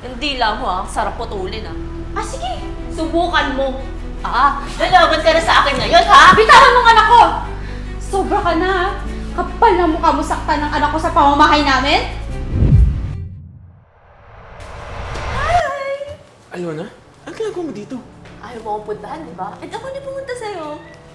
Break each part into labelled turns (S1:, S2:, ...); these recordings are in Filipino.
S1: Hindi lang mo sarap putulin
S2: Sige, subukan mo.
S1: Lalaban ka na sa akin ngayon
S2: Bitawan mo ang anak ko! Sobra ka na ha? Kapal na mukha mo saktan ng anak ko sa pamamahay namin?
S3: Alona, ang ginagawa mo dito?
S1: Ayaw mo akong puntahan, di ba? Ako na pumunta sa'yo.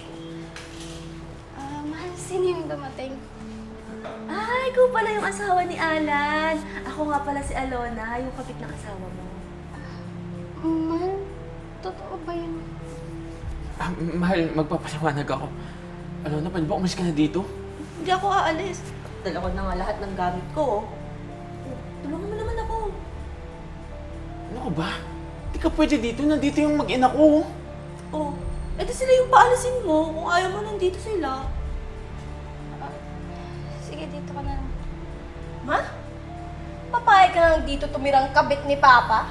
S4: Mahal, sino yung dumating?
S1: Ikaw pala yung asawa ni Alan. Ako nga pala si Alona, yung kapit na asawa mo.
S4: Mahal, totoo ba yun?
S3: Mahal, magpapaliwanag ako. Alona, pwede ba umalis ka na dito?
S1: Hindi ako aalis. Dala ko na nga lahat ng gamit ko. Tulungan mo naman ako.
S3: Ano ka ba? Di ka pwede dito. Nandito yung mag-ina ko.
S1: Edi sila yung paalisin mo kung ayaw mo nandito sila.
S4: Sige, dito ka na lang.
S2: Ma? Papayag ka lang dito tumirang kabit ni Papa?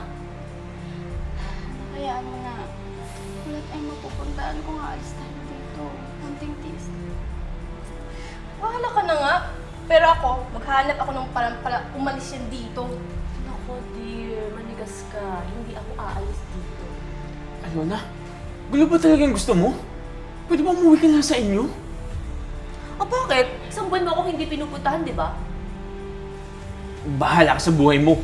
S4: Hayaan mo na. Ulit ay mapupuntaan kung aalis tayo dito. Kunting tiis.
S2: Bahala ka na nga. Pero ako, maghanap ako ng parang para umalis yan dito.
S1: Nako dear, manigas ka. Hindi ako aalis dito.
S3: Alona, gulo ba talagang gusto mo? Pwede ba umuwi ka na sa inyo?
S1: Bakit? Isang buwan mo ako hindi pinupuntahan, di ba?
S3: Bahala ka sa buhay mo.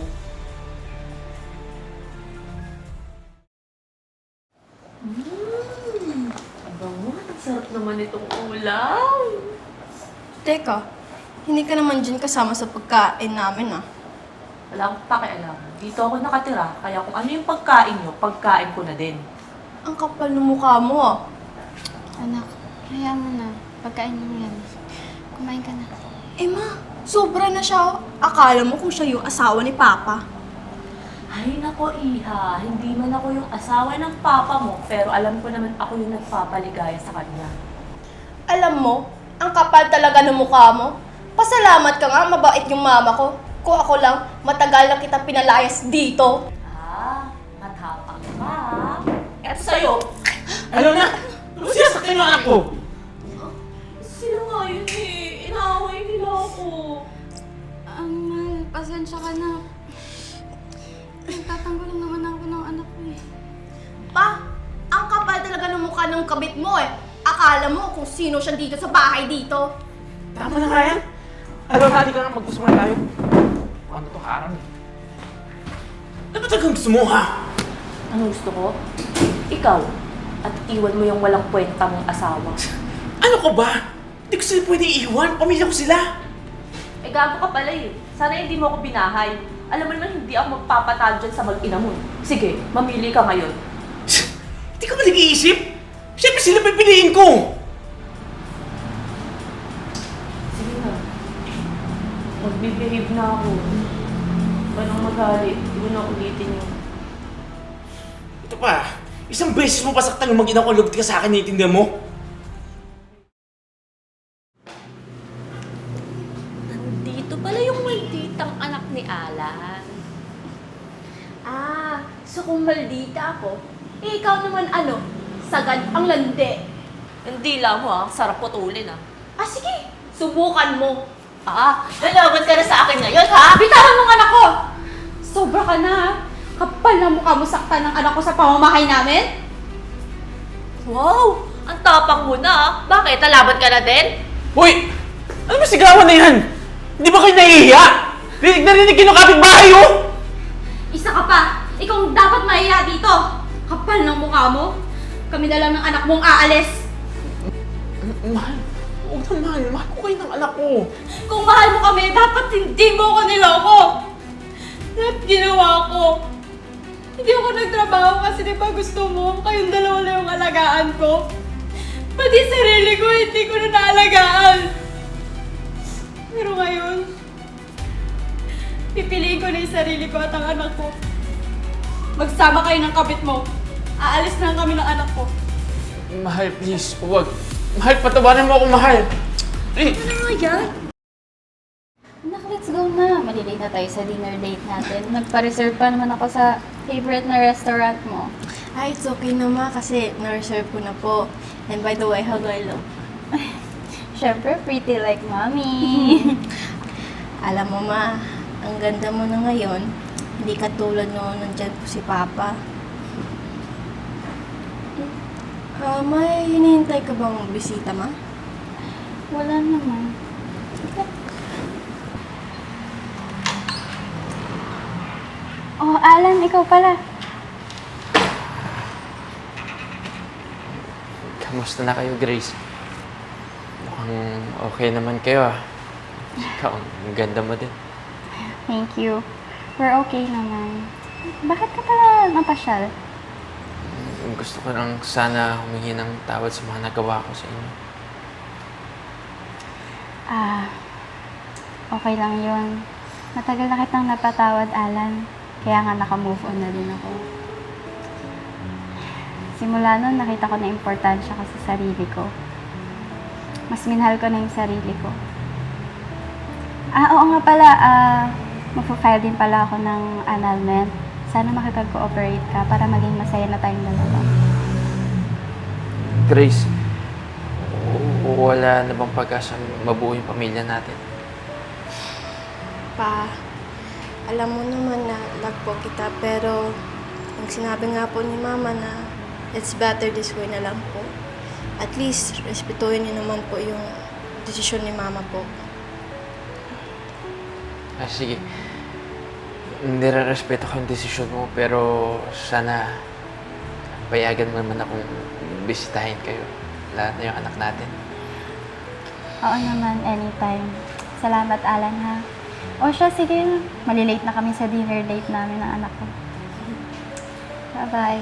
S1: Bango, ang sarap naman itong ulam.
S2: Teka, hindi ka naman dyan kasama sa pagkain namin
S1: Wala akong pakialam. Dito ako nakatira, kaya kung ano yung pagkain nyo, pagkain ko na din.
S2: Ang kapal ng mukha mo
S4: Anak, hayaan mo na. Pagkain mo yan. Kumain ka na.
S2: Ma, sobra na siya. Akala mo kung siya yung asawa ni Papa.
S1: Ay nako Iha, hindi man ako yung asawa ng papa mo, pero alam ko naman ako yung nagpapaligaya sa kanya.
S2: Alam mo, ang kapal talaga ng mukha mo. Pasalamat ka nga, mabait yung mama ko. Kung ako lang, matagal na kita pinalayas dito.
S1: Matapang ka. Eto sa'yo.
S3: Alona! Ano sinasaktan yung anak ko?
S1: Sila nga yun Inaaway nila ako.
S4: Mahal, pasensya ka na. Nagtatanggol lang naman ako ng anak ko
S2: Pa, ang kapal talaga ng mukha ng kabit mo Akala mo kung sino siya dito sa bahay dito.
S3: Tama na nga yan. Alona, di ka nga magkusman tayo. Ano to, harang? Ano ba talagang gusto mo, ha?
S1: Ano gusto ko? Ikaw. At iwan mo yung walang kwenta mong asawa.
S3: Ano ka ba? Hindi ko sila pwede iiwan. Pamilya ko sila.
S1: Gago ka pala Sana hindi mo ako binahay. Alam mo naman hindi ako magpapatalo dyan sa mag-ina mo. Sige, mamili ka ngayon.
S3: Hindi ka ba nag-iisip? Siyempre sila pipiliin ko.
S1: Sige na. Magbibehave na ako. Parang magalit. Hindi ko na ulitin yun.
S3: Ito pa, isang beses mo pasaktan yung mag-ina ko, lugod ka sa akin, naiintindihan mo?
S1: Nandito pala yung malditang anak ni Alan.
S2: So kung maldita ako, ikaw naman sagad ang landi.
S1: Hindi lang mo sarap putulin
S2: Sige, subukan mo.
S1: Lalaban ka na sa akin ngayon
S2: Bitawan mo ang anak ko! Sobra ka na ha? Kapal na mukha mo saktan ng anak ko sa pamamahay namin?
S1: Wow! Ang tapang mo na Bakit? Lalaban ka na din?
S3: Hoy! Ano ba sigawan na yan? Hindi ba kayo nahihiya? Rinig na rinig yung kapitbahay, oh!
S2: Isa ka pa! Ikaw ang dapat mahiya dito! Kapal ng mukha mo! Kami na lang ng anak mong aalis!
S3: Mahal, huwag na mahal. Mahal ko kayo ng anak ko.
S2: Kung mahal mo kami, dapat hindi mo ko niloko! Lahat ginawa ko! Hindi ako nagtrabaho kasi di ba gusto mo kayong dalawa na yung alagaan ko? Pati sarili ko, hindi ko na naalagaan! Pero ngayon, pipiliin ko na yung sarili ko at ang anak ko. Magsama kayo ng kabit mo. Aalis na kami ng anak ko.
S3: Mahal, please, huwag. Mahal, patawarin mo ako, mahal.
S1: Ano nga yan?
S4: Anak, let's go na. Malilate na tayo sa dinner date natin. Nagpa-reserve pa naman ako sa favorite na restaurant mo.
S2: It's okay na ma kasi na-reserve ko na po. And by the way, how do I look?
S4: Siyempre, pretty like mommy.
S2: Alam mo ma, ang ganda mo na ngayon. Hindi katulad noon nandyan po si Papa. May hinihintay ka bang bisita, Ma?
S4: Wala naman. Oh, Alan, ikaw pala.
S3: Kamusta na kayo, Grace? Mukhang okay naman kayo ah. Ikaw, ang ganda mo din.
S4: Thank you. We're okay naman. Bakit ka pala napasyal?
S3: Gusto ko lang sana humingi ng tawad sa mga nagawa ko sa inyo.
S4: Okay lang yun. Matagal na kitang napatawad, Alan. Kaya nga naka-move on na din ako. Simula nun, nakita ko na importansya ko sa sarili ko. Mas minahal ko na yung sarili ko. Oo nga pala, magpo-file din pala ako ng annulment. Sana makipag-cooperate ka para maging masaya na tayong dalawa.
S3: Grace, wala na bang pag-asa mabuo yung pamilya natin?
S2: Pa, alam mo naman na love po kita, pero ang sinabi nga po ni Mama na it's better this way na lang po. At least, respetuhin niyo naman po yung desisyon ni Mama po.
S3: Sige. Nire-respeto ko yung desisyon mo, pero sana payagan mo naman akong bisitahin kayo. Lahat na yung anak natin.
S4: Oo naman, anytime. Salamat, Alan, ha? O siya, sige. Malilate na kami sa dinner date namin ng anak ko. Bye-bye.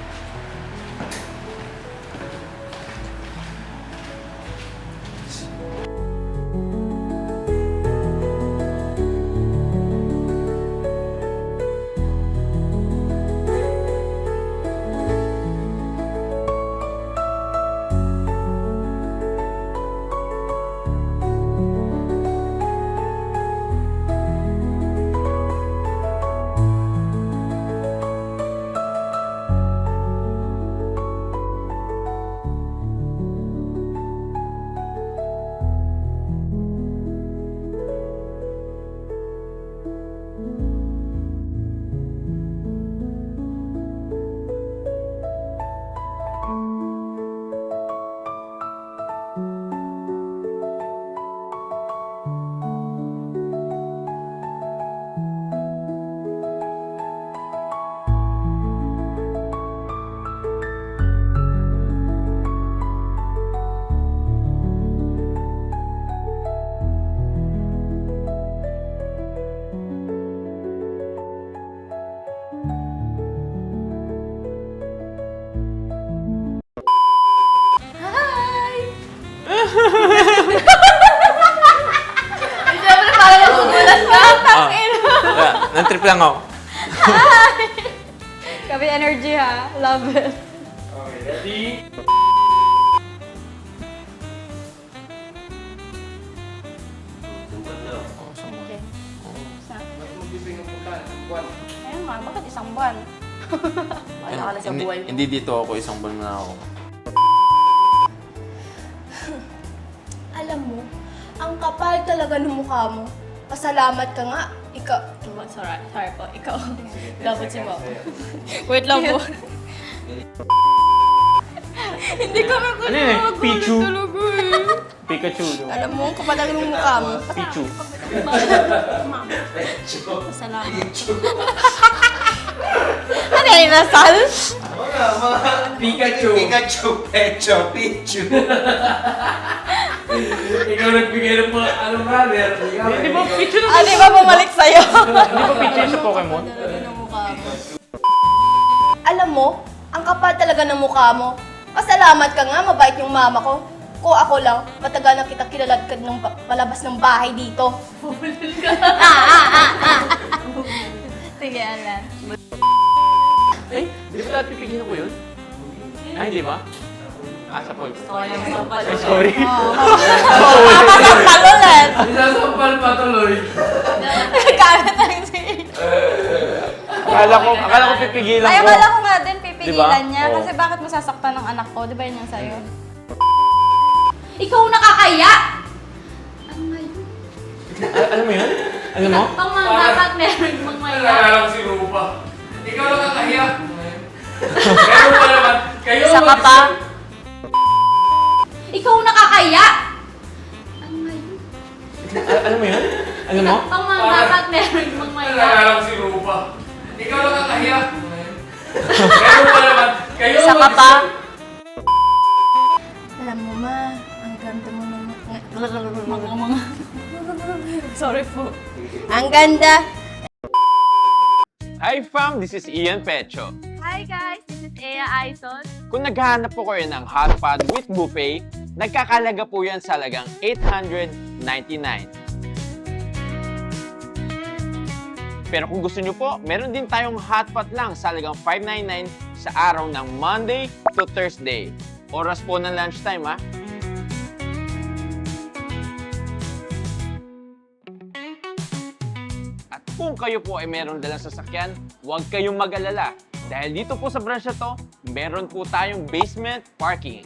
S2: Siyempre, parang nagugulat ka.
S3: Nan-trip lang ako.
S2: Kami energy ha. Love it.
S3: Okay, ready?
S4: Okay. Ayun nga, bakit isang buwan?
S1: Wala ka na sa buhay mo.
S3: Hindi dito ako, isang buwan na ako.
S2: Alam mo, ang kapal talaga ng mukha mo. Pasalamat ka nga. Ikaw. Sorry po. Ikaw. Dapat si Mom. Wait lang po. Hindi ka magulo.
S3: Ano yun eh? Pichu?
S2: Talaga eh.
S3: Pikachu.
S2: Alam mo, ang kapal talaga ng mukha mo.
S3: Pichu.
S2: Pasalamat. Ano yung nasal?
S3: Pikachu.
S5: Pikachu, Pecho, Pichu.
S3: Ikaw nagbigay ng mga brother. Di ba Pichu na?
S2: Di ba bumalik sa'yo?
S3: Di ba Pichu yung sa Pokemon?
S2: Talaga ng mukha mo. Alam mo, ang kapal talaga ng mukha mo. Pasalamat ka nga, mabait yung mama ko. Kung ako lang, matagal na kita kilalagkad ng palabas ng bahay dito. Sige, Alan.
S3: Eh, di ba dati pipigilan ko yun? Ay, di ba? Sa Paul. Ay, sorry.
S2: Pasampal ulit!
S3: Isasampal pa tuloy.
S2: Gamit ang sige.
S3: Akala ko pipigilan
S4: Ay,
S3: ko.
S4: akala ko nga din pipigilan
S3: Diba?
S4: niya.
S3: Oo.
S4: Kasi bakit masasaktan ng anak ko? Di ba yun yung sa'yo?
S2: Ikaw nakakaya!
S3: Alam mo yun? Alam mo?
S2: Pang mga dapat meron mang maya.
S6: Naalala ko si Rupa. Ikaw lang ang kahiya. Pero pa naman, kayo
S1: Isa ka pa.
S2: Ikaw nakakaya! Ano nga yun?
S3: Alam mo yun? Alam mo?
S2: Pang mga dapat meron mang maya.
S6: Naalala ko si Rupa. Ikaw lang ang kahiya. Pero pa naman, kayo
S1: Isa ka pa.
S2: Alam mo ma, ang ganda mo naman. Sorry po. Ang ganda!
S3: Hi fam, this is Ian Pecho.
S1: Hi guys, this is Ea Aizon.
S3: Kung naghahanap po kayo ng hot pot with buffet, nagkakalaga po yan sa halagang $899. Pero kung gusto nyo po, meron din tayong hot pot lang sa halagang $599 sa araw ng Monday to Thursday. Oras po ng lunchtime ha. At kung kayo po ay meron dalang sasakyan, huwag kayong mag-alala. Dahil dito po sa branch na to, meron po tayong basement parking.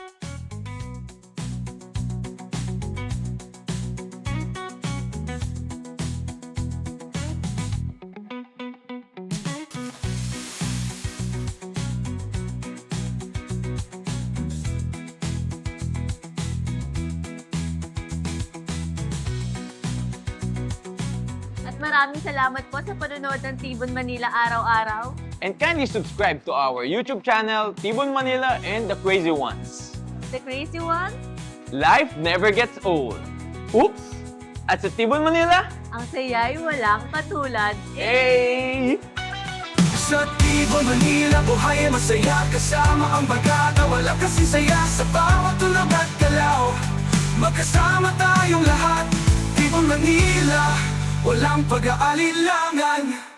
S1: At maraming salamat po sa panonood ng Tibon Manila araw-araw.
S3: And kindly subscribe to our YouTube channel, Tibon Manila and the Crazy Ones.
S1: The crazy one,
S3: Life never gets old. Oops! At sa Tibon Manila,
S1: ang saya'y walang katulad.
S3: hey!
S5: Sa Tibon, Manila, buhay ay masaya. Kasama ang bagata, wala kasing saya. Sa bawat tulog at galaw, magkasama tayong lahat. Tibon, Manila, walang pag-aalilangan.